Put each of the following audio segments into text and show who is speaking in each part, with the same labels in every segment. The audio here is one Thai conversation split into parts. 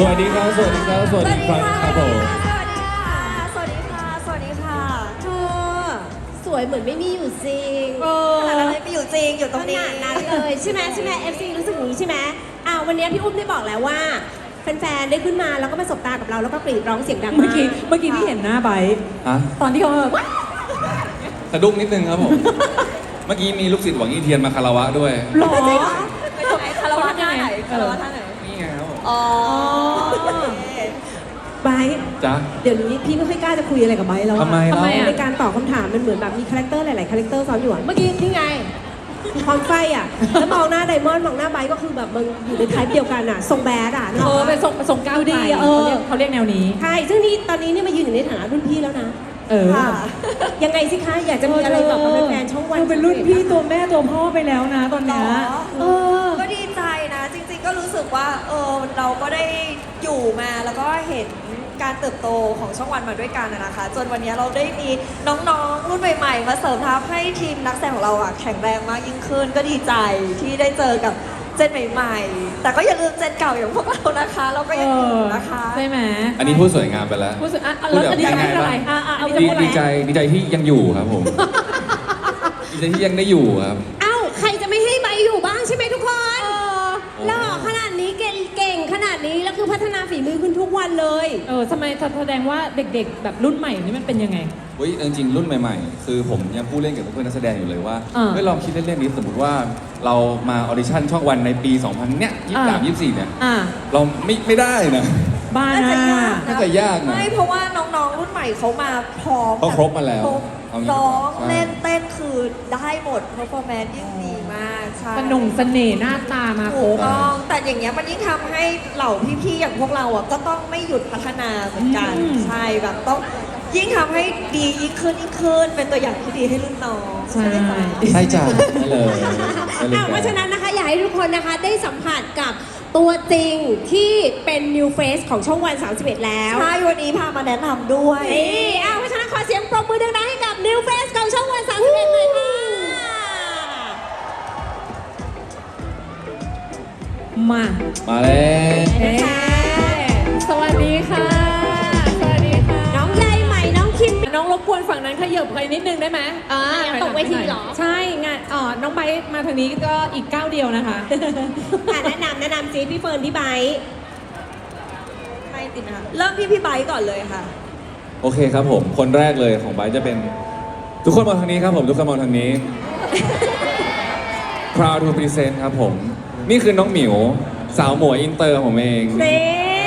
Speaker 1: วัสดีครับ สวัสดีครับ สวัสดีครับครับผม
Speaker 2: สวัสดีค่ะ สวัสดีค่ะ สวัสดีค่ะ
Speaker 3: เธอสวยเหมือนไม่มีอยู่จริง
Speaker 2: ขนาดนั้นเลยไปอยู่จริงอยู่ตรงนี้
Speaker 3: ขนาดนั้นเลยใช่ไหมFC รู้สึกอย่างนี้ใช่ไหมวันนี้พี่อุ้มได้บอกแล้วว่าแฟนๆได้ขึ้นมาแล้วก็มาสบตากับเราแล้วก็กรีดร้องเสียงดังมาก
Speaker 4: เมื่อกี้พี่เห็นหน้าไบร์ท
Speaker 1: ฮะ
Speaker 4: ตอนที่เขาแบบ
Speaker 1: สะดุ้งนิดนึงครับผม เมื่อกี้มีลูกศิษย์หวังอี้เทียนมาคารวะด้วย
Speaker 4: หล่อ
Speaker 2: จริงเหรอไปตรงไหนคารวะท่าไหนคารวะท่าไหน
Speaker 1: นี่ไงครับผม
Speaker 2: อ๋อ
Speaker 3: ไบร์ท
Speaker 1: จ๊ะ
Speaker 3: เดี๋ยวนี้พี่ไม่ค่อยกล้าจะคุยอะไรกับไบร์ทแล้วอะ
Speaker 1: ทำไมเล่า
Speaker 3: ในการตอบคำถามมันเหมือนแบบมีคาแรคเตอร์หลายๆคาแรคเตอร์ซ้อนอยู่อะเมื่อกี้นี่ไงความไฟอะแล้วมองหน้าไดมอนด์มองหน้าไบร์ทก็คือแบบมึงอยู่ในไทป์เดียวกันอะทรงแบดอะนึกออกปะ
Speaker 4: เป็นทรงก้าว
Speaker 3: ดูดี
Speaker 4: ไกล
Speaker 3: อะ
Speaker 4: เขาเรียกแนวนี้
Speaker 3: ใช่ซึ่งนี่ตอนนี้เนี่ยมายืนอยู่ในฐานะรุ่นพี่แล้วนะ
Speaker 4: เออ
Speaker 2: ค่ะ
Speaker 3: ยังไงสิคะอยากจะมีอะไรบอกกับแฟนๆช่องวัน
Speaker 4: ดูเป็นรุ่นพี่ตัวแม่ตัวพ่อไปแล้วนะตอน
Speaker 2: หร
Speaker 4: เนี้
Speaker 2: อย
Speaker 4: เออ
Speaker 2: ก็ดีใจนะ จริงๆก็รู้สึกว่าเราก็ได้อยู่มาแล้วก็เห็นการเติบโตของช่องวันมาด้วยกันนะคะ จนวันนี้เราได้มีน้องๆรุ่นใหม่ๆมาเสริมทัพให้ทีมนักแสดงของเราอะแข็งแรงมากยิ่งขึ้น ก็ดีใจที่ได้เจอกับเจนใหม่ๆ แต่ก็อย่าลืมเจนเก่าอย่างพวกเรานะคะ เราก็ยังอยู่นะคะ
Speaker 4: ใช่ไหม
Speaker 1: อันนี้พูดสวยงามไปแล้ว
Speaker 4: รู้สึกอ่ะ
Speaker 1: พูด
Speaker 4: แล้ว
Speaker 1: แบบ
Speaker 4: อันนี้จะ
Speaker 1: ยังไง
Speaker 4: พูดอะไร
Speaker 1: บ้าง
Speaker 4: อันนี้จะพูดอะไร
Speaker 1: ดีใจที่ยังอยู่ครับผม ดีใจที่ยังได้อยู่ครับ
Speaker 3: เอ้าใครจะไม่ให้ใบอยู่บ้างใช่ไหมทุกคนหล่อขนาดนี้เก่งขนาดนี้แล้วคือพัฒนาฝีมือขึ้นทุกวันเลย
Speaker 4: ทำไมแสดงว่าเด็กๆ แบบรุ่นใหม่นี่มันเป็นยังไง
Speaker 1: เฮ้ยจริงๆรุ่นใหม่ๆ คือผมยังพูดเล่นกับเพื่อนนักแสดงอยู่เลยว่า
Speaker 4: อ่า
Speaker 1: เฮ้ยลองคิดเล่นๆนี้สมมติว่าเรามาออดิชั่นช่องวันในปี 2000 เนี่ย23 24 เนี่ย
Speaker 4: อ่า
Speaker 1: เราไม่ได้นะ
Speaker 4: บ้า
Speaker 2: น่าจะ
Speaker 4: นะ
Speaker 2: ยาก
Speaker 1: น่าจะยากนะ
Speaker 2: ไม่เพราะว่าน้องๆรุ่นใหม่เขามาพร้อม
Speaker 1: เขาครบมาแล้ว
Speaker 2: ครบ
Speaker 1: เอางี้ดีกว่า
Speaker 2: ร้อง
Speaker 1: ใช่
Speaker 2: เล่นเต้นคือได้หมด performance ยิ่งดีมากใช่
Speaker 4: สนุกเสน่ห์หน้าตามาคร
Speaker 2: ถูก
Speaker 4: บ
Speaker 2: ต้องแต่อย่างเงี้ยมันยิ่งทำให้เหล่าพี่ๆอย่างพวกเราอ่ะก็ต้องไม่หยุดพัฒนาเหมือนกัน
Speaker 4: อืม
Speaker 2: ใช่แบบต้องยิ่งทำให้ดียิ่งขึ้นเป็นตัวอย่างที่ดีให้รุ่นน้อง
Speaker 4: ใช่
Speaker 2: ไหมจ๊ะ
Speaker 1: ใช่จ้ะได้เลยได้เลย
Speaker 3: เพราะฉะนั้นนะคะอยากให้ทุกคนนะคะได้สัมผัสกับตัวจริงที่เป็น new face ของช่องวัน 31 แล้ว
Speaker 2: ใช่วันนี้พามาแนะนำด้วย
Speaker 3: นี่เพราะฉะนั้นขอเสียงปรบมือดังๆให้กับ new face ของช่องวัน 31เลยค่ะ
Speaker 4: มา
Speaker 1: มาแล้ว
Speaker 3: นะคะ
Speaker 4: สวัสดีค่ะ สวัสดีค่ะ
Speaker 3: น้องใยใหม่น้องคิม
Speaker 4: น้องรบกวนฝั่งนั้นขยับไปนิดนึงได้ไหม
Speaker 3: ตกเวทีเหรอ
Speaker 4: ใช่งานน้องไบร์ทมาทางนี้ก็อีกก้าวเดียวนะคะ
Speaker 3: แนะนำจีพี่เฟิร์นพี่ไบร์ท
Speaker 2: ไม่ติดนะคะเริ่มที่พี่ไบค์ก่อนเลยค่ะ
Speaker 1: โอเคครับผม คนแรกเลยของไบร์ทจะเป็น ทุกคนมองทางนี้ครับผม ทุกคนมองทางนี้ Proud to present ครับผม นี่คือน้องหมิว สาวหมวยอินเตอร์ผมเอง
Speaker 3: นี่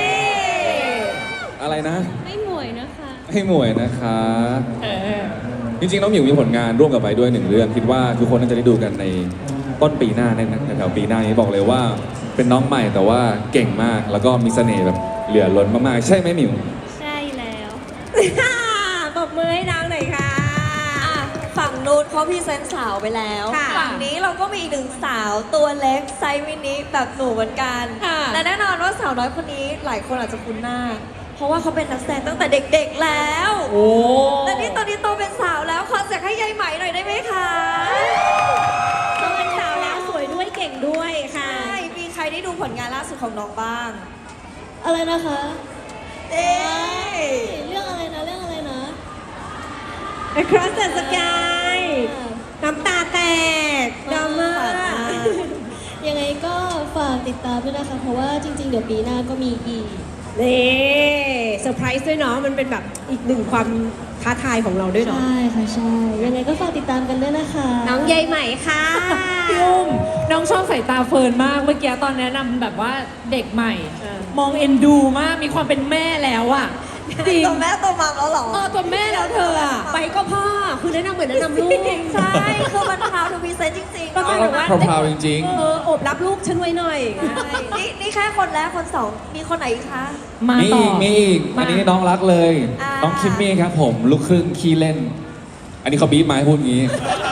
Speaker 1: อะไรนะ
Speaker 3: ไม่หมวยนะคะ
Speaker 1: ให้หมวยนะคะ จริงๆ น้องหมิวมีผลงานร่วมกับไบร์ทด้วยหนึ่งเรื่อง คิดว่าทุกคนน่าจะได้ดูกันในต้นปีหน้าในแถวๆปีหน้านี้บอกเลยว่า เป็นน้องใหม่แต่ว่าเก่งมาก แล้วก็มีเสน่ห์แบบเหลือล้นมากๆ ใช่ไหมหมิว
Speaker 3: ใช่แล้วปรบมือให้น้องหน่อยค่ะ
Speaker 2: อ่ะฝั่งนู้นเขาพรีเซนต์สาวไปแล้ว
Speaker 3: ค่ะ
Speaker 2: ฝั่งนี้เราก็มีอีกหนึ่งสาวตัวเล็กไซส์มินิแบบหนูเหมือนกัน
Speaker 4: ค่ะ
Speaker 2: และแน่นอนว่าสาวน้อยคนนี้หลายคนอาจจะคุ้นหน้า เพราะว่าเขาเป็นนักแสดงตั้งแต่เด็กๆแล้ว
Speaker 4: โอ้
Speaker 2: และนี่ตอนนี้โตเป็นสาวแล้วขอเสียงให้ยายไหมหน่อยได้ไหมคะ
Speaker 3: ต้องเป็นสาวแล้วสวยด้วยเก่งด้วยค่ะ
Speaker 2: ใช่มีใครได้ดูผลงานล่าสุดของน้องบ้าง
Speaker 3: อะไรนะคะ
Speaker 2: เอ๊ะ
Speaker 3: เรื่องอะไรนะ Across the Sky น้ำตาแตกดราม่า
Speaker 5: ยังไงก็ฝากติดตามด้วยนะคะ เพราะว่าจริงๆ เดี๋ยวปีหน้าก็มีอีก
Speaker 3: นี่เซอร์ไพรส์ด้วยเนาะมันเป็นแบบอีกหนึ่งความท้าทายของเราด้วยเนาะ
Speaker 5: ใช่ค่ะ ใช่ ยังไงก็ฝากติดตามกันด้วยนะคะ
Speaker 3: น้องใยใหม่ค่ะ
Speaker 4: พี่อุ้มน้องชอบสายตาเฟิร์นมากเมื่อกี้ตอนแนะนำแบบว่าเด็กใหม่ มองเอ็นดูมากมีความเป็นแม่แล้วอ่ะจริง
Speaker 2: ตัวแม่ตัวมัมแล้วเหรอ
Speaker 4: ตัวแม่แล้วเธออ่ะ
Speaker 3: ไปก็พ่อคือแนะนำเหมือนแนะนำลูก
Speaker 2: ใช่ คือมันพาวทูพีเซนจริงๆ
Speaker 3: ก็คือแบบว่า
Speaker 1: พราวๆจริง
Speaker 3: อบรับลูกฉันไว้หน่อย
Speaker 2: ใช่นี่แค่คนแรกคนสองมีคนไหนอีกคะ
Speaker 4: มา
Speaker 1: ๆ มี
Speaker 4: ต่อ
Speaker 1: อีก มีอีก
Speaker 4: มา
Speaker 1: อันนี้น้องรักเลย
Speaker 2: อ่า
Speaker 1: น้องคิมมี่ครับผม ลูกครึ่งขี้เล่น อันนี้เขาบีบมาให้พูดงี้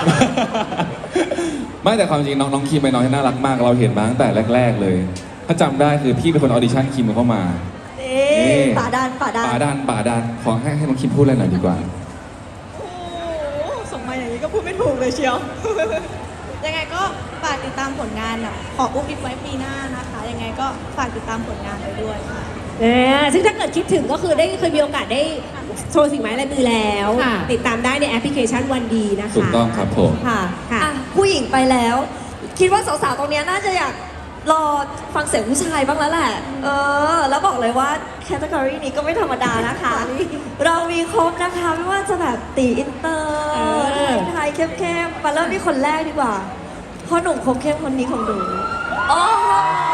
Speaker 1: ไม่แต่ความจริงน้องคิมเป็นน้องที่น่ารักมาก เราเห็นมาตั้งแต่แรก ๆ เลย ถ้าจำได้คือพี่เป็นคนออดิชั่นคิมเข้ามา
Speaker 2: นี่
Speaker 1: นี่
Speaker 2: ป่าดัน
Speaker 1: ป่าดันขอให้น้องคิมพูดอะไรหน่อยดีกว่า
Speaker 6: โอ้โหส่งมาอย่างนี้ก็พูดไม่ถูกเลยเชียว ยังไงก็ฝากติดตามผลงานของอุ๊บอิ๊บไว้ปีหน้านะคะ ยังไงก็ฝากติดตามผลงานไปด้วยค่ะ
Speaker 3: ซึ่งถ้าเกิดคิดถึงก็คือได้เคยมีโอกาสได้โชว์สิ่งไม้ลายมือแล้ว
Speaker 4: ค่ะ
Speaker 3: ติดตามได้ในแอปพลิเคชันวันดีนะคะ
Speaker 1: ถูกต้องครับผม
Speaker 2: ค่ะ
Speaker 3: ค่ะ
Speaker 2: อ่ะผู้หญิงไปแล้ว คิดว่าสาวๆตรงเนี้ยน่าจะอยากรอฟังเสียงผู้ชายบ้างแล้วแหละ แล้วบอกเลยว่าแคตตากรีนี้ก็ไม่ธรรมดานะคะ เรามีครบนะคะไม่ว่าจะแบบตีอินเตอร์ไทยเข้มๆมาเริ่มที่คนแรกดีกว่าพ่อหนุ่มคมเข้มคนนี้ของหนูโอ้โห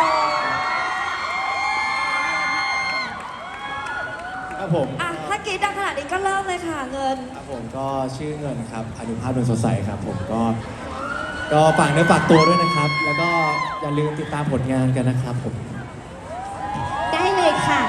Speaker 7: ครับผม
Speaker 2: อ่ะถ้ากรีดดังขนาดนี้ก็เริ่มเลยค่ะเงิน
Speaker 7: ครับผมก็ชื่อเงินครับอนุภาพดวงสดใสครับผมก็ฝากเนื้อฝากตัวด้วยนะครับ แล้วก็อย่าลืมติดตามผลงานกันนะครับผม
Speaker 3: ได้เลยค่ะ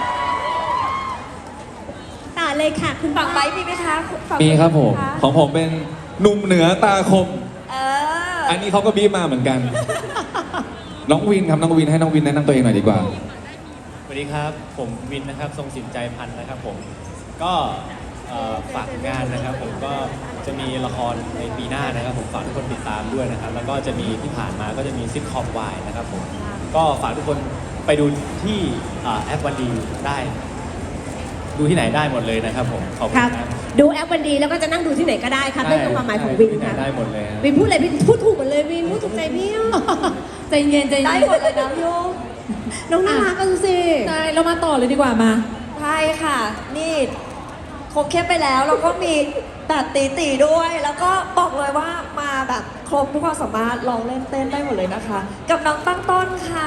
Speaker 3: ต่อเลยค่ะ คุณ
Speaker 2: ฝั่งไบร์ทมีไหมคะฝั่ง
Speaker 1: มีครับผม
Speaker 2: ะ
Speaker 1: ของผมเป็นหนุ่มเหนือตาคม
Speaker 2: เออ
Speaker 1: อันนี้เขาก็บีบมาเหมือนกัน น้องวินครับน้องวินให้น้องวินแนะนำตัวเองหน่อยดีกว่า
Speaker 7: สวัสดีครับ ผมวินนะครับทรงสินใจพันธ์นะครับผมก็ฝากงานนะครับผมก็จะมีละครในปีหน้านะครับผมฝากทุกคนติดตามด้วยนะครับ แล้วก็จะมีที่ผ่านมาก็จะมีซิทคอมวายนะครับผมก็ฝากทุกคนไปดูที่แอปวันดีได้ ดูที่ไหนได้หมดเลยนะครับผมขอบคุ
Speaker 3: ค
Speaker 7: ณ
Speaker 3: รับ
Speaker 7: ครับ
Speaker 3: ดูแอปวันดีแล้วก็จะนั่งดูที่ไหนก็ได้ครับนั่นคือความหมายของวิน
Speaker 7: ที่ไหน
Speaker 3: ค่ะ
Speaker 7: ได้หมดเลยครับ
Speaker 3: วินพูดอะไรวินพูดถูกหมดเลยวินพูดถูกใจพี่อ่ะ
Speaker 4: ใจเย็นใจ
Speaker 2: ได้
Speaker 4: เย็น
Speaker 2: หมดเลยนะโยม
Speaker 3: น้องน่ารักก็ดูสิ
Speaker 4: ใช่เรามาต่อเลยดีกว่ามา
Speaker 2: ใช่ค่ะ นี่คมเข้มไปแล้วแล้วก็มีแบบตีด้วย แล้วก็บอกเลยว่ามาแบบครบทุกความสามารถลองเล่นเต้นได้หมดเลยนะคะ กับน้องตั้งต้นค่ะ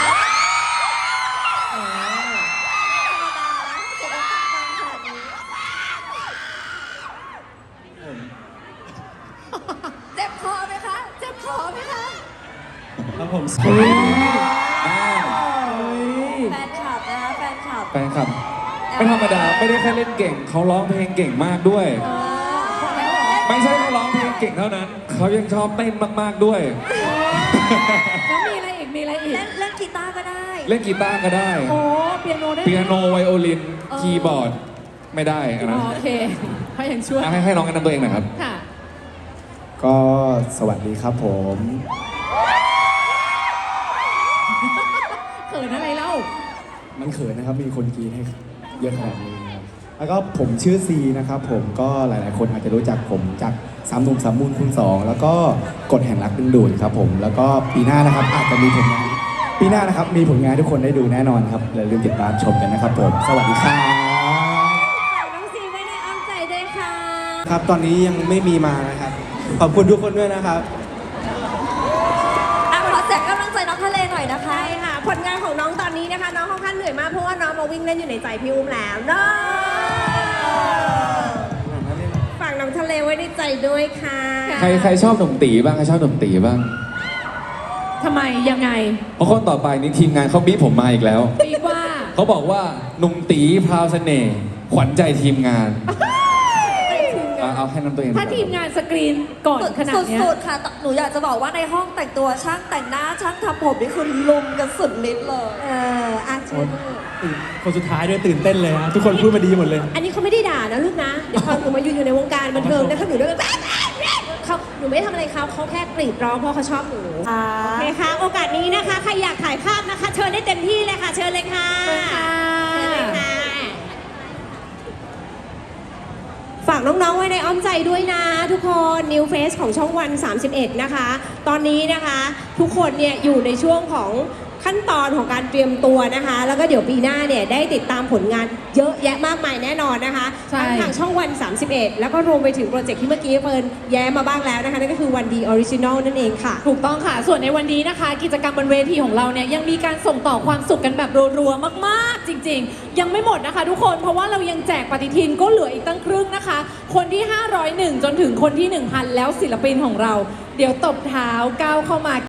Speaker 2: เจ็บคอไหมคะ เจ็บคอไหมคะ
Speaker 7: ครับผม
Speaker 2: แฟนคลับนะคะแฟนคลับ
Speaker 1: แฟนคลับไม่ธรรมดาไม่ได้แค่เล่นเก่ง เขาร้องเพลงเก่งมากด้วย ไม่ใช่เขาร้องเพลงเก่งเท่านั้น เขายังชอบเต้นมากๆด้วย
Speaker 4: แล้วมีอะไรอีกมีอะไรอีก
Speaker 2: เล่นกีตาร์ก็ได้
Speaker 1: เล่นกีตาร์ก็ได้
Speaker 4: โอ้เปียโนได้ไหม
Speaker 1: เปียโนไวโอลินคีย์บอร์ดไม่ได้อัน
Speaker 4: อ๋
Speaker 1: นั้
Speaker 4: อน โอเคเขายังช่วย
Speaker 1: ให้น้องแนะนำตัวเองหน่อยครับ
Speaker 4: ค่ะ
Speaker 7: ก็สวัสดีครับผม
Speaker 4: เขินอะไรเล่า
Speaker 7: มันเขินนะครับมีคนกรีดให้เยอะขนาดนี้ครับแล้วก็ผมชื่อซีนะครับผมก็หลาย ๆ คนอาจจะรู้จักผมจากสามหนุ่มสามมูลคูณสองแล้วก็กฎแห่งรักดึงดูดครับผมแล้วก็ปีหน้านะครับอาจจะมีผลงานปีหน้านะครับมีผลงานให้ทุกคนได้ดูแน่นอนครับอย่าลืมติดตามชมกันนะครับผมสวัสดีครับ
Speaker 3: น้องซีไม่ได้อ้อมใจด้วยค่ะ
Speaker 7: ครับตอนนี้ยังไม่มีมานะครับขอบคุณทุกคนด้วยนะครับ
Speaker 2: อ่ะขอเสียงกำลังใจน้องทะเลหน่อยนะคะ
Speaker 3: ใช่ค่ะ ผลงานของน้องตอนนี้นะคะ น้องค่อนข้างเหนื่อยมากเพราะว่าน้องมาวิ่งเล่นอยู่ในใจพี่อุ้มแล้วเนาะฝากน้องทะเลไว้ในใจด้วยค่ะ
Speaker 1: ใครชอบหนุ่มตีบ้างใครชอบหนุ่มตีบ้าง
Speaker 4: ทำไมยังไง
Speaker 1: เพราะคนต่อไปนี้ทีมงานเขาบีบผมมาอีกแล้ว
Speaker 4: ปีว่า
Speaker 1: เขาบอกว่าหนุ่มตีพราวเสน่ห์ขวัญใจทีมงาน เอาให้น้ำตัวเอง
Speaker 4: ถ้าทีมงานสกรีนก่อนขนาดเนี้ย
Speaker 2: สุดๆค่ะ หนูอยากจะบอกว่าในห้องแต่งตัวช่างแต่งหน้าช่างทำผมนี่คือลุมกันสุดฤทธิ์เลย
Speaker 3: อาเชิญ
Speaker 7: คนสุดท้ายด้วยตื่นเต้นเลยนะทุกคนพูดมาดีหมดเลย
Speaker 3: อันนี้เขาไม่ได้ด่านะลูกนะ เดี๋ยวพอหนูมาอยู่ในวงการบันเทิงนะคะหนูด้วยกันเขาหนูไม่ได้ทำอะไรเขาแค่กรีดร้องเพราะเขาชอบหนู
Speaker 2: ค่ะ
Speaker 3: โอเคค่ะ โอกาสนี้นะคะ ใครอยากถ่ายภาพนะคะ เชิญได้เต็มที่เลยค่ะ เชิญเลยค่ะ
Speaker 4: เชิญค่ะ
Speaker 3: เชิญเลยค่ะ ฝากน้องๆไว้ในอ้อมใจด้วยนะ ทุกคน New Face ของช่องวัน 31 นะคะ ตอนนี้นะคะ ทุกคนเนี่ยอยู่ในช่วงของขั้นตอนของการเตรียมตัวนะคะ แล้วก็เดี๋ยวปีหน้าเนี่ยได้ติดตามผลงานเยอะแยะมากมายแน่นอนนะคะ
Speaker 4: ใช่
Speaker 3: ทั้งทางช่องวัน 31 แล้วก็รวมไปถึงโปรเจกต์ที่เมื่อกี้เฟิร์นแย้มมาบ้างแล้วนะคะ นั่นก็คือวันดีออริจินอลนั่นเองค่ะ
Speaker 4: ถูกต้องค่ะ ส่วนในวันนี้นะคะ กิจกรรมบนเวทีของเราเนี่ยยังมีการส่งต่อความสุขกันแบบรัวๆมากๆ จริงๆ ยังไม่หมดนะคะทุกคน เพราะว่าเรายังแจกปฏิทินก็เหลืออีกตั้งครึ่งนะคะ คนที่ 501 จนถึงคนที่ 1,000 แล้วศิลปินของเรา เดี๋ยวตบเท้าก้าวเข้ามา